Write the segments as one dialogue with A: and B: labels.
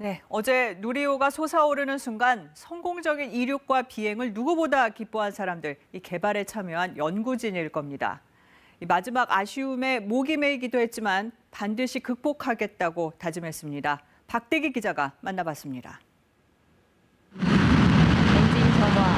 A: 네, 어제 누리호가 솟아오르는 순간 성공적인 이륙과 비행을 누구보다 기뻐한 사람들, 이 개발에 참여한 연구진일 겁니다. 이 마지막 아쉬움에 목이 메이기도 했지만 반드시 극복하겠다고 다짐했습니다. 박대기 기자가 만나봤습니다.
B: 엔진 점화,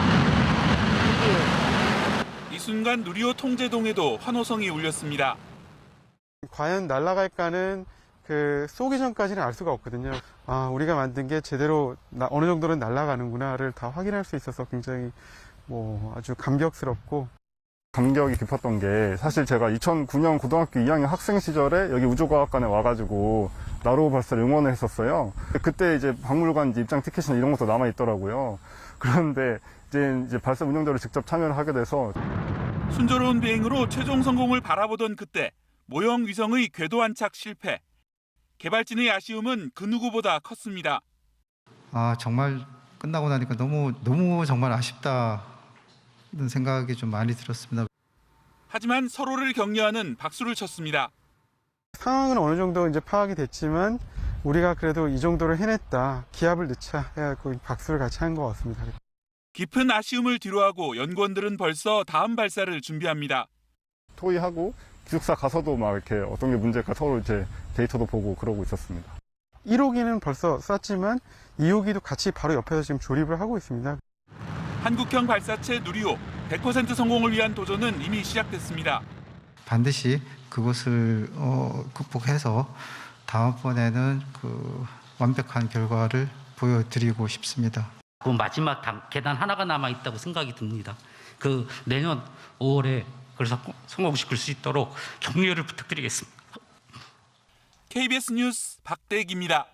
C: 이 순간 누리호 통제동에도 환호성이 울렸습니다.
D: 과연 날아갈까는 쏘기 전까지는 알 수가 없거든요. 우리가 만든 게 제대로 어느 정도는 날아가는구나를 다 확인할 수 있어서 굉장히 아주 감격스럽고.
E: 감격이 깊었던 게 사실 제가 2009년 고등학교 2학년 학생 시절에 여기 우주과학관에 와가지고 나로호 발사를 응원을 했었어요. 그때 이제 박물관 입장 티켓이나 이런 것도 남아 있더라고요. 그런데 이제 발사 운영자로 직접 참여를 하게 돼서
C: 순조로운 비행으로 최종 성공을 바라보던 그때 모형 위성의 궤도 안착 실패. 개발진의 아쉬움은 그 누구보다 컸습니다.
F: 정말 끝나고 나니까 너무 정말 아쉽다는 생각이 좀 많이 들었습니다.
C: 하지만 서로를 격려하는 박수를 쳤습니다.
D: 상황은 어느 정도 이제 파악이 됐지만 우리가 그래도 이 정도를 해냈다. 기합을 넣자 해갖고 박수를 같이 한 것 같습니다.
C: 깊은 아쉬움을 뒤로하고 연구원들은 벌써 다음 발사를 준비합니다.
E: 토의하고 기숙사 가서도 막 이렇게 어떤 게 문제일까 서로 이제 데이터도 보고 그러고 있었습니다.
D: 1호기는 벌써 쐈지만 2호기도 같이 바로 옆에서 지금 조립을 하고 있습니다.
C: 한국형 발사체 누리호 100% 성공을 위한 도전은 이미 시작됐습니다.
F: 반드시 그것을 극복해서 다음번에는 완벽한 결과를 보여드리고 싶습니다.
G: 그 마지막 계단 하나가 남아 있다고 생각이 듭니다. 내년 5월에 그래서 성공시킬 수 있도록 격려를 부탁드리겠습니다.
C: KBS 뉴스 박대기입니다.